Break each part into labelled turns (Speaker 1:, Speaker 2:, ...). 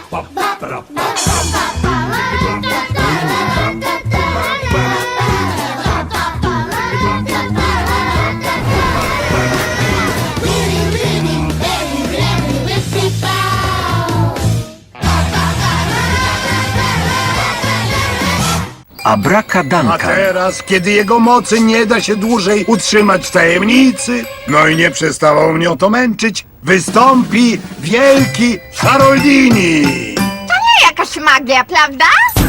Speaker 1: A
Speaker 2: Abracadabra.
Speaker 1: teraz, kiedy jego mocy nie da się dłużej utrzymać w tajemnicy, no i nie przestało mnie to męczyć, wystąpi wielki Haroldini!
Speaker 3: Nie jakaś magia, prawda?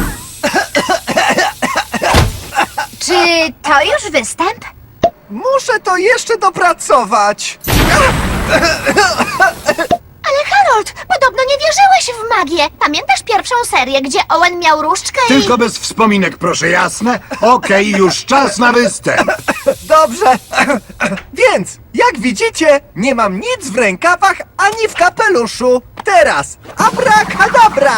Speaker 3: Czy to już występ?
Speaker 4: Muszę to jeszcze dopracować.
Speaker 3: Ale Harold, podobno nie wierzyłeś w magię. Pamiętasz pierwszą serię, gdzie Owen miał różdżkę i...
Speaker 1: Tylko bez wspominek, proszę jasne. Okej, już czas na występ.
Speaker 4: Dobrze. Więc, jak widzicie, nie mam nic w rękawach ani w kapeluszu. Teraz, abracadabra!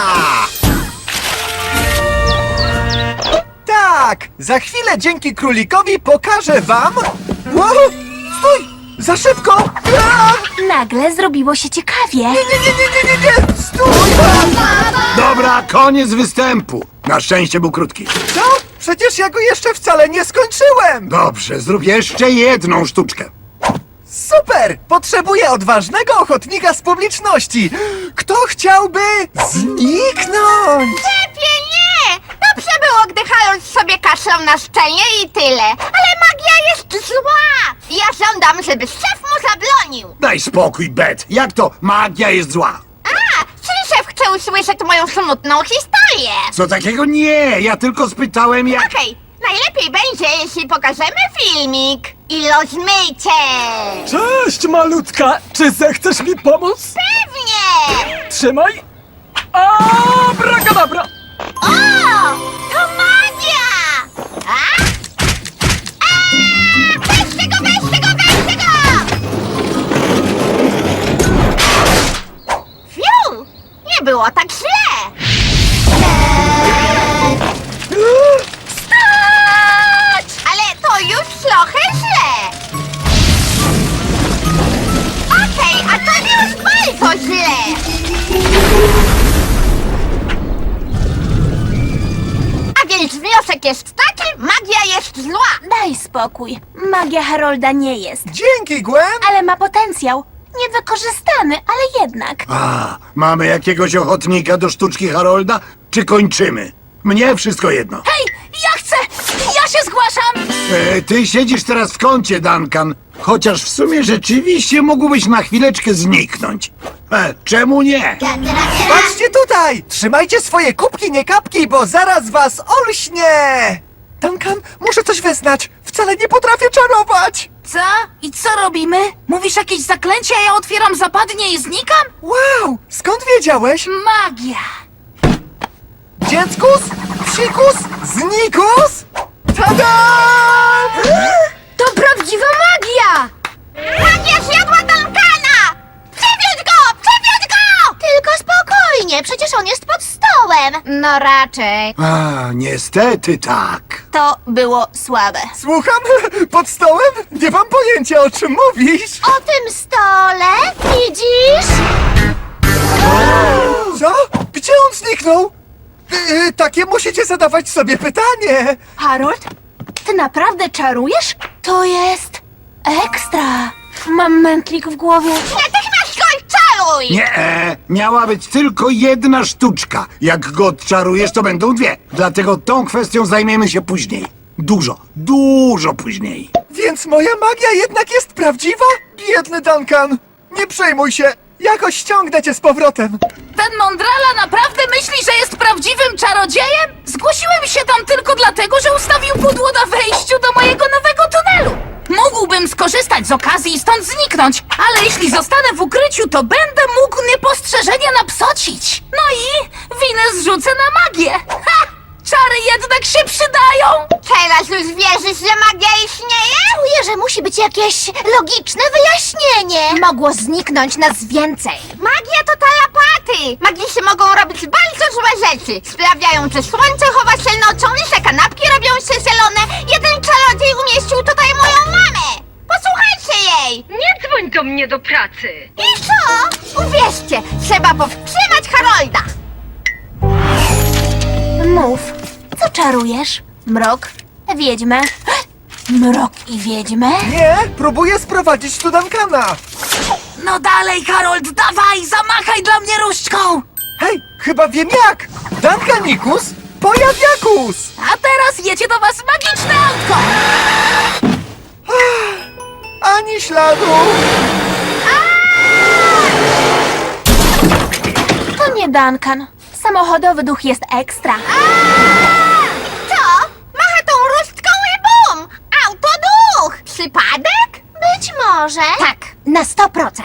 Speaker 4: Tak, za chwilę dzięki królikowi pokażę wam... Wow, stój! Za szybko! A!
Speaker 3: Nagle zrobiło się ciekawie.
Speaker 4: Nie! Stój!
Speaker 1: Dobra, koniec występu. Na szczęście był krótki.
Speaker 4: Co? Przecież ja go jeszcze wcale nie skończyłem!
Speaker 1: Dobrze, zrób jeszcze jedną sztuczkę.
Speaker 4: Super! Potrzebuję odważnego ochotnika z publiczności! Kto chciałby zniknąć?
Speaker 3: Lepiej nie! Dobrze było, gdy Harold sobie kaszlał na szczenie i tyle. Ale magia jest zła! Ja żądam, żeby szef mu zabronił.
Speaker 1: Daj spokój, Bet. Jak to magia jest zła?
Speaker 3: A, czyli szef chce usłyszeć moją smutną historię.
Speaker 1: Co takiego? Nie, ja tylko spytałem jak...
Speaker 3: Okej, najlepiej będzie, jeśli pokażemy filmik. I rozmyjcie!
Speaker 5: Cześć, malutka! Czy zechcesz mi pomóc?
Speaker 3: Pewnie!
Speaker 5: Trzymaj! Abracadabra!
Speaker 3: O! To magia! A? Weźcie go, weźcie go, weźcie go! Fiu! Nie było tak źle! Stać! Ale to już trochę źle! Okej, a to już bardzo źle! A więc wniosek jest taki, magia jest zła!
Speaker 6: Daj spokój. Magia Harolda nie jest,
Speaker 4: Dzięki, Gwen!
Speaker 6: ale ma potencjał. Niewykorzystany, ale jednak.
Speaker 1: A, mamy jakiegoś ochotnika do sztuczki Harolda? Czy kończymy? Mnie wszystko jedno.
Speaker 6: Hej, ja chcę! Ja się zgłaszam!
Speaker 1: Ty siedzisz teraz w kącie, Duncan. Chociaż w sumie rzeczywiście mógłbyś na chwileczkę zniknąć. Czemu nie?
Speaker 4: Patrzcie tutaj! Trzymajcie swoje kubki, nie kapki, bo zaraz was olśnie! Duncan, muszę coś wyznać. Wcale nie potrafię czarować!
Speaker 6: Co? I co robimy? Mówisz jakieś zaklęcie, a ja otwieram zapadnie i znikam?
Speaker 4: Wow! Skąd wiedziałeś?
Speaker 6: Magia!
Speaker 4: Dzieckus? Psikus? Znikus? Tada!
Speaker 6: To prawdziwa magia!
Speaker 3: Magia zjadła Duncana! Przywiąć go! Przywiąć go! Tylko spokojnie, przecież on jest pod stołem. No raczej.
Speaker 1: A, niestety tak.
Speaker 6: To było słabe.
Speaker 4: Słucham? Pod stołem? Nie mam pojęcia, o czym mówisz.
Speaker 3: O tym stole, widzisz?
Speaker 4: Co? Gdzie on zniknął? Takie musicie zadawać sobie pytanie.
Speaker 6: Harold, ty naprawdę czarujesz? To jest ekstra. Mam mętlik w głowie.
Speaker 3: Natychmiast go czaruj!
Speaker 1: Nie, miała być tylko jedna sztuczka. Jak go odczarujesz, to będą dwie. Dlatego tą kwestią zajmiemy się później. Dużo później.
Speaker 4: Więc moja magia jednak jest prawdziwa? Biedny Duncan. Nie przejmuj się. Jakoś ściągnę cię z powrotem.
Speaker 6: Ten mądrala naprawdę myśli, że jest prawdziwym czarodziejem? Zgłosiłem się tam tylko dlatego, że ustawił pudło na wejściu do mojego nowego tunelu. Mógłbym skorzystać z okazji i stąd zniknąć, ale jeśli zostanę w ukryciu, to będę mógł niepostrzeżenie napsocić. No i winę zrzucę na magię. Ha! Czary jednak się przydają!
Speaker 3: Teraz już wierzysz, że magia istnieje? Czuję, że musi być jakieś logiczne wyjaśnienie. Mogło zniknąć nas więcej. Magia to tarapaty. Magicy mogą robić bardzo złe rzeczy. Sprawiają, że słońce chowa się nocą i że kanapki robią się zielone. Jeden czarodziej umieścił tutaj moją mamę. Posłuchajcie jej.
Speaker 7: Nie dzwoń do mnie do pracy!
Speaker 3: I co? Uwierzcie, trzeba powstrzymać Harolda. czarujesz? Mrok, wiedźmę. Mrok i wiedźmę?
Speaker 4: Nie, próbuję sprowadzić tu Duncana.
Speaker 6: No dalej, Harold, dawaj, zamachaj dla mnie różdżką!
Speaker 4: Hej, chyba wiem jak! Duncanikus, pojawiakus!
Speaker 6: A teraz jedzie do was magiczne autko!
Speaker 4: Ani śladu!
Speaker 3: To nie Duncan. Samochodowy duch jest ekstra. Co? Macha tą różdżką i bum! Autoduch! Przypadek? Być może. Tak, na 100%.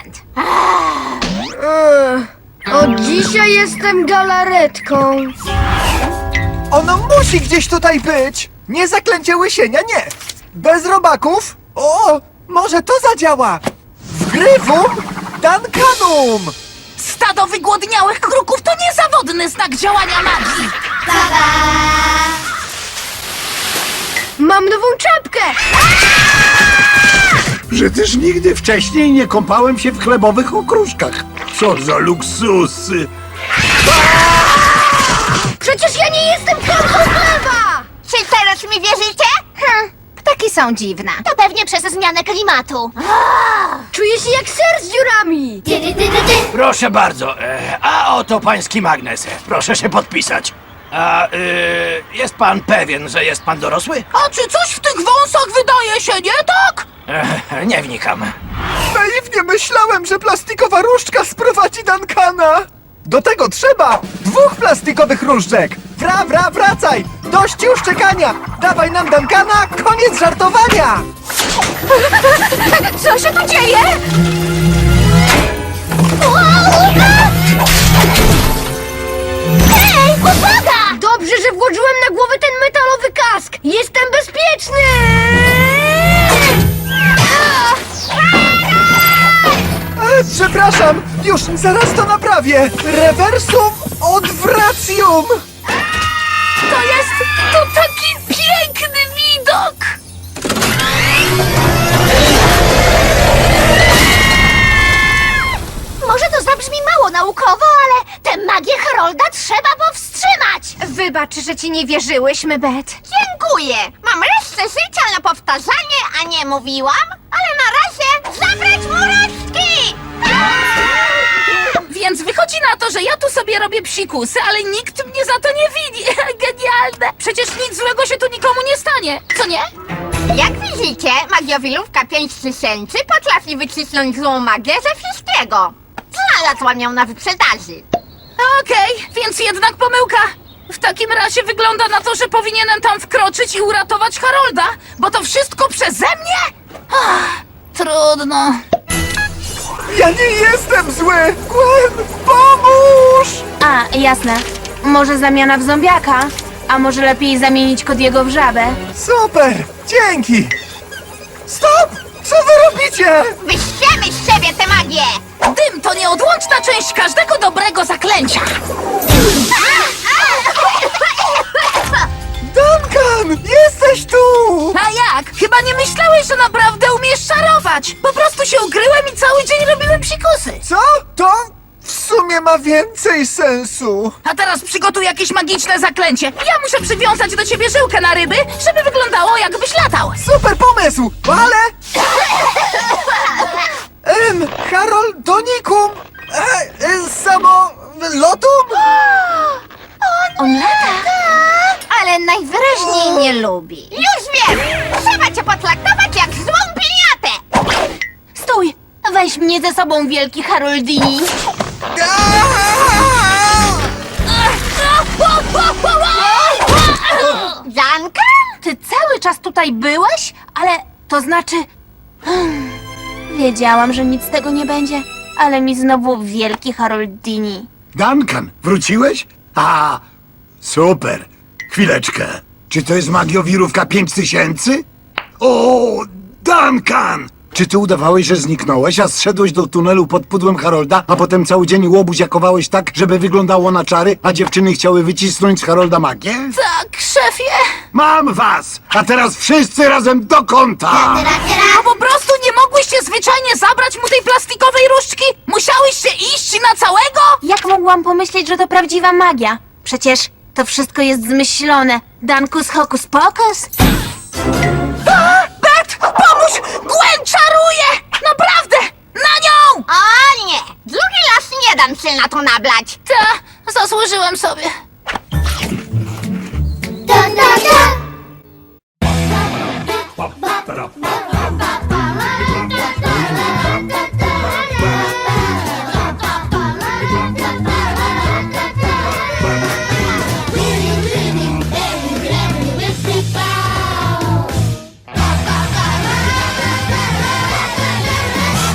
Speaker 2: Od dzisiaj jestem galaretką.
Speaker 4: Ono musi gdzieś tutaj być! Nie zaklęcie łysienia, nie! Bez robaków? O, może to zadziała! Wgrywum Duncanum!
Speaker 6: Stado wygłodniałych kruków to niezawodny znak działania magii!
Speaker 2: Mam nową czapkę.
Speaker 1: Że też nigdy wcześniej nie kąpałem się w chlebowych okruszkach. Co za luksusy!
Speaker 2: Przecież ja nie jestem korką chleba.
Speaker 3: Czy teraz mi wierzycie? Ptaki są dziwne. To pewnie przez zmianę klimatu.
Speaker 2: Czuję się jak ser z dziurami.
Speaker 7: Proszę bardzo, a oto pański magnes. Proszę się podpisać. A jest pan pewien, że jest pan dorosły?
Speaker 6: A czy coś w tych wąsach wydaje się nie tak?
Speaker 7: Nie wnikam.
Speaker 4: Naiwnie myślałem, że plastikowa różdżka sprowadzi Duncana! Do tego trzeba 2 plastikowych różdżek! Wracaj! Dość już czekania! Dawaj nam Duncana, koniec żartowania!
Speaker 3: Co się tu dzieje? Hej, uwaga!
Speaker 2: Dobrze, że włożyłem na głowę ten metalowy kask. Jestem bezpieczny.
Speaker 4: Przepraszam, już zaraz to naprawię! Reversum odwracjum!
Speaker 6: To taki piękny widok!
Speaker 3: Może to zabrzmi mało naukowo, ale tę magię Harolda trzeba powstrzymać! Wybacz, że ci nie wierzyłyśmy, Bet. Dziękuję! Mam resztę życia na powtarzanie, a nie mówiłam, ale na razie zabrać mu resztki!
Speaker 6: Więc wychodzi na to, że ja tu sobie robię psikusy, ale nikt mnie za to nie widzi. Genialne! Przecież nic złego się tu nikomu nie stanie, co nie?
Speaker 3: Jak widzicie, magiowilówka 5000 potrafi wycisnąć złą magię ze wszystkiego. Znalazłam ją na wyprzedaży.
Speaker 6: Okej, więc jednak pomyłka. W takim razie wygląda na to, że powinienem tam wkroczyć i uratować Harolda, bo to wszystko przeze mnie? Trudno.
Speaker 4: Ja nie jestem zły! Gwen, pomóż!
Speaker 8: A, jasne. Może zamiana w zombiaka? A może lepiej zamienić Cody'ego w żabę?
Speaker 4: Super! Dzięki! Stop! Co wy robicie?
Speaker 3: Wyściemy z siebie tę magię!
Speaker 6: Dym to nieodłączna część każdego dobrego zaklęcia.
Speaker 4: Duncan! Jesteś tu!
Speaker 6: A jak? Chyba nie myślałeś, że naprawdę umiesz czarować. Po prostu się ukryłem i cały dzień robiłem psikusy.
Speaker 4: Co? To w sumie ma więcej sensu.
Speaker 6: A teraz przygotuj jakieś magiczne zaklęcie. Ja muszę przywiązać do ciebie żyłkę na ryby, żeby wyglądało jakbyś latał.
Speaker 4: Super pomysł, ale... Haroldonikum? Samolotum?
Speaker 8: On lata.
Speaker 3: Ale najwyraźniej nie lubi. Już wiem! Trzeba cię potraktować jak złą piniatę!
Speaker 8: Stój! Weź mnie ze sobą, wielki Haroldini.
Speaker 3: Duncan?
Speaker 8: Ty cały czas tutaj byłeś? Ale to znaczy... Wiedziałam, że nic z tego nie będzie, ale mi znowu wielki Haroldini.
Speaker 1: Duncan, wróciłeś? A, super. Chwileczkę. Czy to jest magiowirówka 5000? O, Duncan! Czy ty udawałeś, że zniknąłeś, a zszedłeś do tunelu pod pudłem Harolda, a potem cały dzień łobuziakowałeś tak, żeby wyglądało na czary, a dziewczyny chciały wycisnąć z Harolda magię?
Speaker 6: Tak, szefie.
Speaker 1: Mam was! A teraz wszyscy razem do kąta!
Speaker 6: No po prostu nie mogłyście zwyczajnie zabrać mu tej plastikowej różdżki? Musiałyście iść na całego?
Speaker 8: Jak mogłam pomyśleć, że to prawdziwa magia? Przecież to wszystko jest zmyślone. Dankus hokus pokus?
Speaker 6: Bet, pomóż! Gwen czaruje! Naprawdę! Na nią!
Speaker 3: O nie! Drugi raz nie dam się na to nablać.
Speaker 6: Ta, zasłużyłem sobie.
Speaker 3: Da, da, da.